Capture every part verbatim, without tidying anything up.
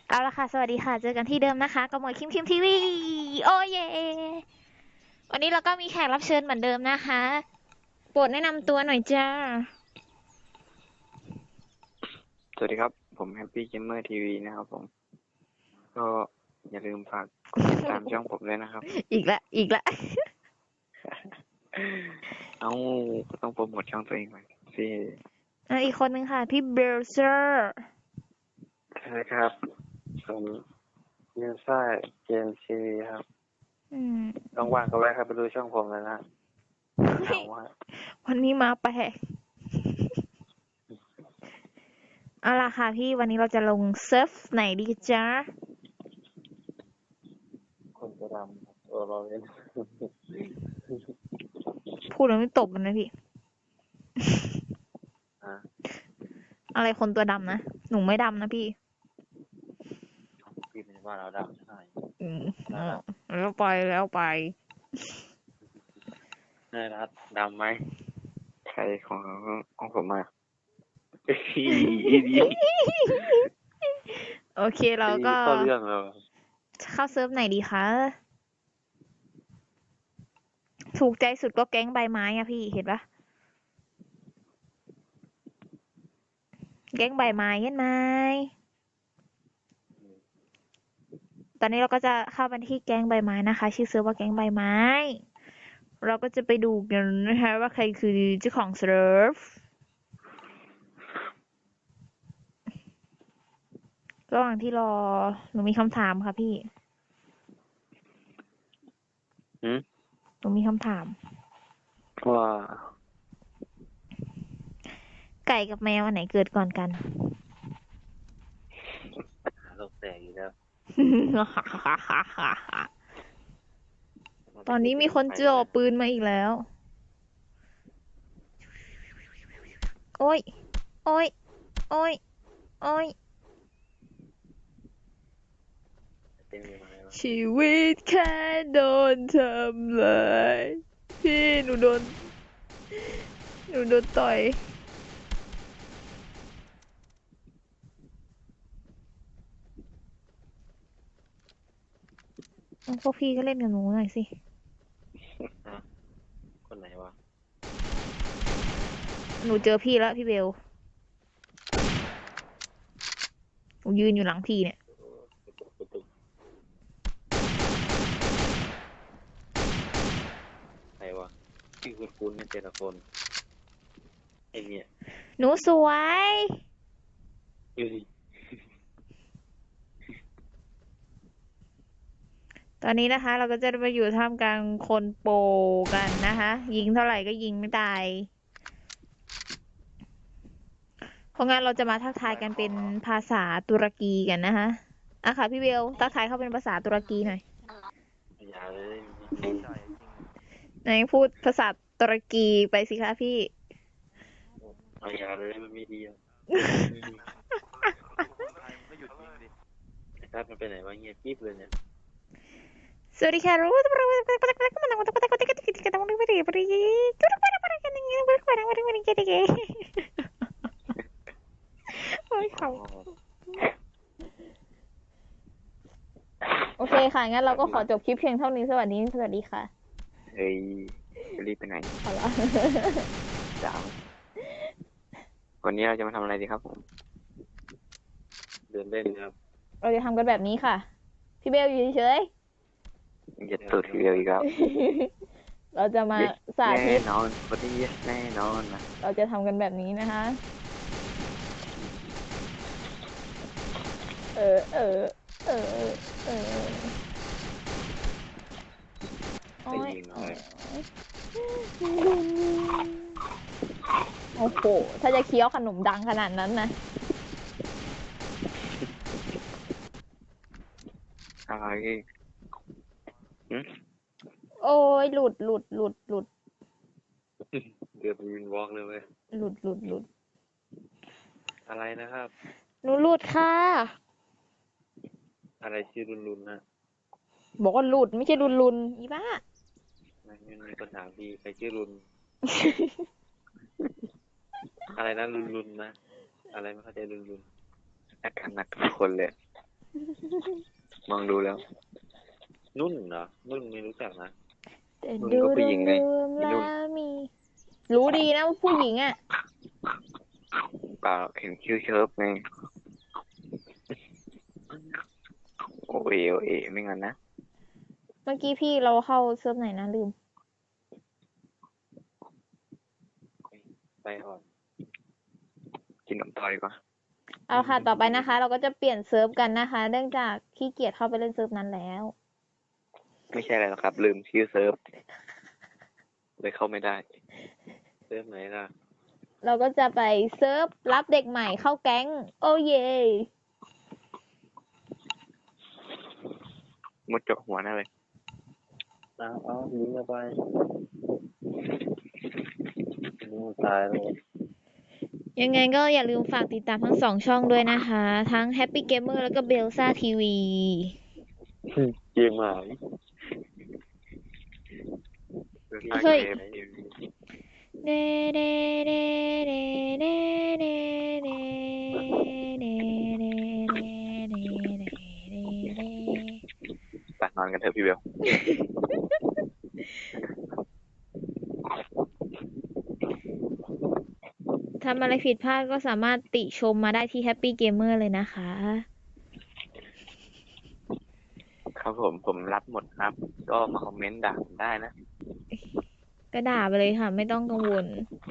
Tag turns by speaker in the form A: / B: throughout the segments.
A: เอาละค่ะสวัสดีค่ะเจอกันที่เดิมนะคะกับหมวยคิมคิมทีวีโอ้เยวันนี้เราก็มีแขกรับเชิญเหมือนเดิมนะคะโปรดแนะนำตัวหน่อยจ้า
B: สวัสดีครับผมแฮปปี้เกมเมอร์ทีวีนะครับผมก็อย่าลืมฝากกดติดตามช่องผมด้วยนะครับ
A: อีกละอีกละ
B: เอาก็ต้องโปรโมทช่องตัวเองหน่อยสิ
A: อ่ะอีกคนนึงค่ะพี่เบลเซอร์
B: ใช่ครับผมยูซ่าเกมทีวีครับ
A: อืม
B: ต้องว่างก็แวะครับไปดูช่องผมแล้วนะเหงาว่า
A: วันนี้มาแปลกเอาล่ะค่ะพี่วันนี้เราจะลงเซิร์ฟไหนดีจ้า
B: คนจะดำเออเราเล่น
A: พูดแล้วไม่ตบกันนะพี่
B: อ่ะ
A: อะไรคนตัวดำนะหนูไม่ดำนะพี่
B: พี่เป็นว่าเราดำใช่
A: อืมแล้วไปแล้วไป
B: น่ารักดำไหมใครของของผมมาดี
A: โอเคเราก็
B: เข้าเรื่องแล้ว
A: เข้าเซิร์ฟไหนดีคะ ถูกใจสุดก็แก๊งใบไม้อะพี่เห็นปะแก๊งใบไม้เห็นไหมตอนนี้เราก็จะเข้าไปที่แก๊งใบไม้นะคะ ชื่อเซิร์ฟว่าแก๊งใบไม้ เราก็จะไปดูกันนะคะว่าใครคือเจ้าของเซิร์ฟระหว่างที่รอหนูมีคำถามค่ะพี่
B: หืม
A: หนูมีคำถาม
B: ว่า
A: ไก่กับแมวอันไหนเกิดก่อนกัน
B: โลกแตกอีกแล้ว
A: ตอนนี้มีคนจ่อปืนมาอีกแล้ว โอ้ย โอ้ย โอ้ย โอ้ย ชีวิตแค่โดนทำลายพี่หนูโดน หนูโดนต่อยพวกพี่ก็เล่นกับหนูหน่อยสิ
B: คนไหนวะ
A: หนูเจอพี่แล้วพี่เบล หนูยืนอยู่หลังพี่เนี่ย
B: ใครวะชื่อคุณคุณเนี่ยแต่ละคนไอเนี่ย
A: หนูสวย
B: อยู่ดิ
A: ตอนนี้นะคะ เราก็จะไปอยู่ท่ามกลางคนโปรกันนะคะ ยิงเท่าไหร่ก็ยิงไม่ตาย เพราะงั้นเราจะมาทักทายกันเป็นภาษาตุรกีกันนะคะอ่ะค่ะพี่เบลทักทายเขาเป็นภาษาตุรกีหน่อย
B: อย่าเลย
A: ไหนพูดภาษาตุรกีไปสิคะพี่
B: เอาอย่าเลยมันไม่ดีอ่ะถ้ามันไปไหนวะเงียบกิ๊บเลยเนี่ย
A: สวัสดีค่ะรู้ตัวเราเป็นคนที่มันต้องเป็นคนที่กิจกิจกรรมไม่ได้บริจุดประมาณกันอย่างเงี้ยบริการบริการกิจกรรมโอ้ยเขาโอเคค่ะงั้นเราก็ขอจบคลิปเพียงเท่านี้สวัสดีสวัสดีค่ะ
B: เฮ้ยจะรีบไปไหน
A: เอาละ
B: ดาววันนี้เราจะมาทำอะไรดีครับผมเดินเล่นครับ
A: เราจะทำกันแบบนี้ค่ะพี่เบลอยู่เฉย
B: อย่าตูดเดียวอีกแล้ว
A: เราจะมาสาธิต
B: แน่นอนพอดีแน่นอนนะ
A: เราจะทำกันแบบนี้นะคะเออเออเออเออโอ้ยโอ้โหถ้าจะเคี้ยวขนมดังขนาดนั้นนะ
B: อะไร
A: โอ้ยหลุดหลุดหลุดหลุด
B: เกือบวินวอล์กเลยเว้ย
A: หลุดหลุดหลุด
B: อะไรนะครับ
A: หนูหลุดค่ะ
B: อะไรชื่อรุนรุนนะ
A: บอกว่าหลุดไม่ใช่รุนรุนอีบ้า
B: ไม่มีคนถามพี่ใครชื่อรุน อะไรนะรุนรุนนะอะไรไม่เข้าใจรุนรุนอาการหนักทุกคนเลยมองดูแล้ว
C: นุ่นเหรอนุ่นไม่รู้จักนะ
A: แต่
B: นุ่น
A: ดู
B: ก็ผู้
A: ร
B: หญิงไง
A: วมๆ
B: อี
A: แล้
B: นุ่น
A: วมี รู้ดีนะว่าผู้หญิงอ่ะ
B: เปล่าเห็นคิวเชิร์ฟไงโอเอโอเอไม่งั้นนะ
A: เมื่อกี้พี่เราเข้าเซิร์ฟไหนนะลืม
C: ไปก่อน
B: กินขนมต่อดีกว่า
A: เอาค่ะ ต่อไปนะคะ เราก็จะเปลี่ยนเซิร์ฟกันนะคะ เนื่องจากขี้เกียจเข้าไปเล่นเซิร์ฟนั้นแล้ว
B: ไม่ใช่อะไรหรอกครับ ลืมชื่อเซิร์ฟเลยเข้าไม่ได้
C: เซิร์ฟไหนล่ะ
A: เราก็จะไปเซิร์ฟรับเด็กใหม่เข้าแก๊ง โอ้เย่
B: มดจกหัวหน้าเลย
C: เอาเอายิงเข้าไปนู่นตายแล้ว
A: ยังไงก็อย่าลืมฝากติดตามทั้งสองช่องด้วยนะคะ ทั้ง Happy Gamer แล้วก็ Belsa ที วี
C: เกมหาย
A: เฮ้ย เดเดเดเดเดเดเดเดเดเดเดเดเด
B: ไปนอนกันเถอะพี่เบล
A: ทำอะไรผิดพลาดก็สามารถติชมมาได้ที่ Happy Gamer เลยนะคะ
B: ครับผมผมรับหมดครับ ก็มาคอมเมนต์ด่าผมได้นะ
A: ก็ด่าไปเลยค่ะ ไม่ต้องกังวล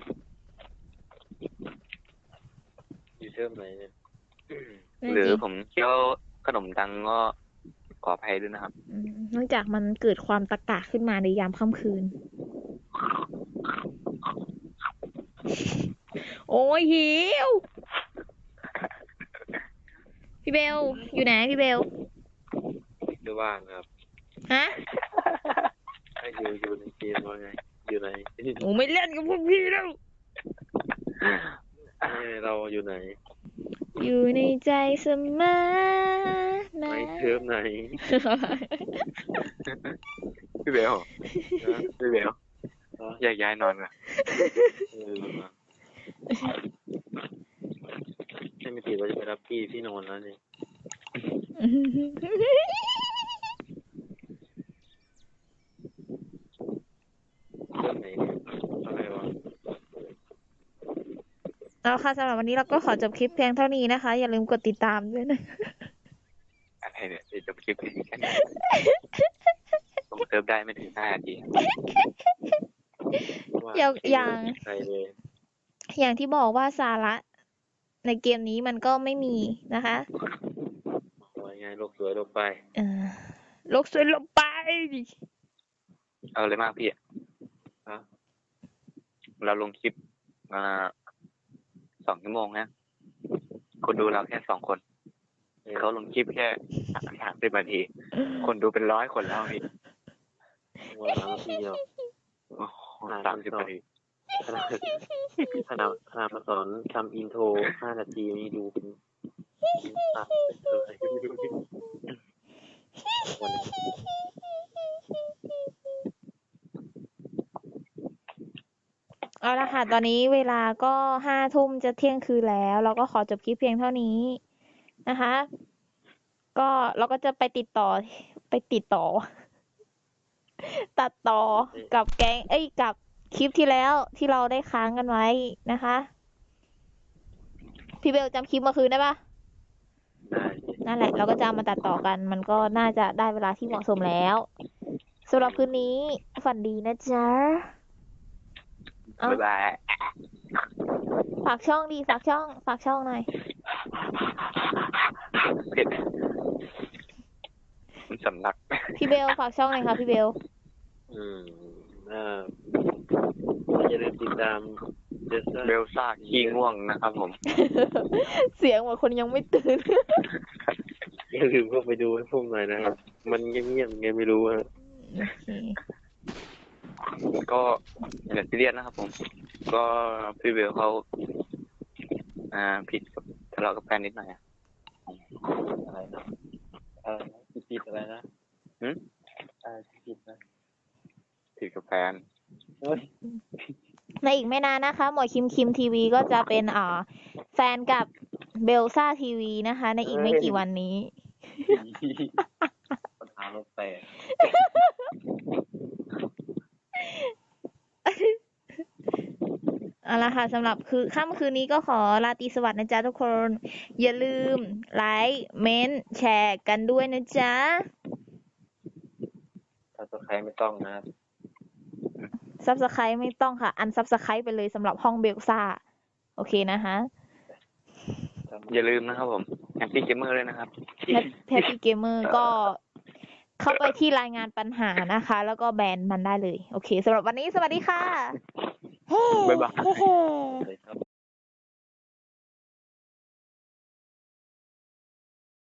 C: อยู่เซิร์ฟไหนเนี่ย
B: หรือผมเคี้ยวขนมดังก็ขออภัยด้วยนะครับ
A: อืมเนื่องจากมันเกิดความตะกะขึ้นมาในยามค่ำคืน โอ้ยหิว พี่เบล อยู่ไหนพี่เบล
C: ไม่ว่างครับ
A: ฮะ
C: ให้อยู่อยู่ในเกมว่าไง อยู่ไหน
A: โอ้ไม่เล่นกับพวกพี่แล้ว
C: เอ้ยเราอยู่ไหน
A: อยู่ในใจเสมอนะ
C: ไม่เซิร์ฟไหน
B: พี่เบล
C: นะ
B: พี่เบล
C: อ๋อ
B: แยกย้ายนอนกัน
C: เออมาให้ไม่ติดว่าจะไปรับพี่พี่นอนแล้วนี่เซิร์ฟไหนเนี่ยอะไรวะ
A: เอาค่ะสำหรับวันนี้เราก็ขอจบคลิปเพียงเท่านี้นะคะ อย่าลืมกดติดตามด้วยนะ
B: อะไรเนี่ยเดี๋ยวจะไปคลิปนี้กันผมเซิร์ฟได้ไม่ถึงห้านาที
C: ว่า
A: อย่างอย่าง
C: ใครเลย
A: อย่างที่บอกว่าสาระในเกมนี้มันก็ไม่มีนะคะ
C: ว่าไงโลกสวยโลกไป
A: เออโลกสวยลงไป
B: เอาเลยมากพี่อะ
C: ฮะ
B: เราลงคลิปมาสองชั่วโมงนะ คนดูเราแค่สองคน เขาลงคลิปแค่สามสามสิบนาที คนดูเป็นร้อยคนแล้วพี่
C: วันละนาทีเดียว
B: โอ้โหสามสิบนาที
C: ขนาดขนาดขนาดมาสอนทำอินโทรห้านาทีนี่ดูเป็นตัดเลยวันนี้
A: เอาละค่ะ ตอนนี้เวลาก็ห้าทุ่มจะเที่ยงคืนแล้ว เราก็ขอจบคลิปเพียงเท่านี้นะคะ ก็เราก็จะไปติดต่อไปติดต่อ ตัดต่อกับแก๊งเอ้ยกับคลิปที่แล้วที่เราได้ค้างกันไว้นะคะ พี่เบลจำคลิปเมื่อคืนได้ปะ
C: ได้
A: นั่นแหละ เราก็จะเอามาตัดต่อกัน มันก็น่าจะได้เวลาที่เหมาะสมแล้วสำหรับคืนนี้ฝันดีนะจ๊ะ เอ้า
B: บ๊ายบาย
A: ฝากช่องดีฝากช่อง ฝากช่องหน่อย
B: เผ็ดมันสำลัก
A: พี่เบลฝากช่องหน่อยค่ะพี่เบล
C: อืมอ่าอย่าลืมติดตามเดส
B: เบลซ่าขี้ง่วงนะครับผม
A: เสียงเหมือนคนยังไม่ตื่น
C: อย่าลืมเข้าไปดูให้พวกหน่อยนะครับ มันเงียบๆไงไม่รู้ฮะ
A: โอเค
B: ก็อย่าซีเรียสนะครับผม ก็พี่เบลเขาอ่าผิดกับทะเลาะกับแฟนนิดหน่อยอะ
C: อะไรนะอะไรนะผิดอะไรนะ
B: หืม
C: อะไรผิดนะ
B: ผิดกับแฟน
C: เฮ้ย
A: ในอีกไม่นานนะคะ หมวยคิมคิมทีวีก็จะเป็นอ่าแฟนกับเบลซ่าทีวีนะคะ ในอีกไม่กี่วันนี้
C: ปัญหาลบแตก
A: เอาละค่ะสำหรับคือค่ำคืนนี้ก็ขอราตรีสวัสดิ์นะจ๊ะทุกคน อย่าลืมไลค์เม้นต์แชร์กันด้วยนะจ๊ะ
C: ถ้าตัวใครไม่ต้องนะ
A: ซับสไครต์ไม่ต้องค่ะ อันซับสไครต์ไปเลยสำหรับห้องเบลซ่า โอเคนะคะ
B: อย่าลืมนะครับผมแฮปปี้เกมเมอร์เลยนะครับ
A: แฮปปี้เกมเมอร์ก็เข้าไปที่รายงานปัญหานะคะ แล้วก็แบนมันได้เลย โอเคสำหรับวันนี้สวัสดีค่ะ
B: บ๊ายบาย
A: เฮ้
C: เลยครับ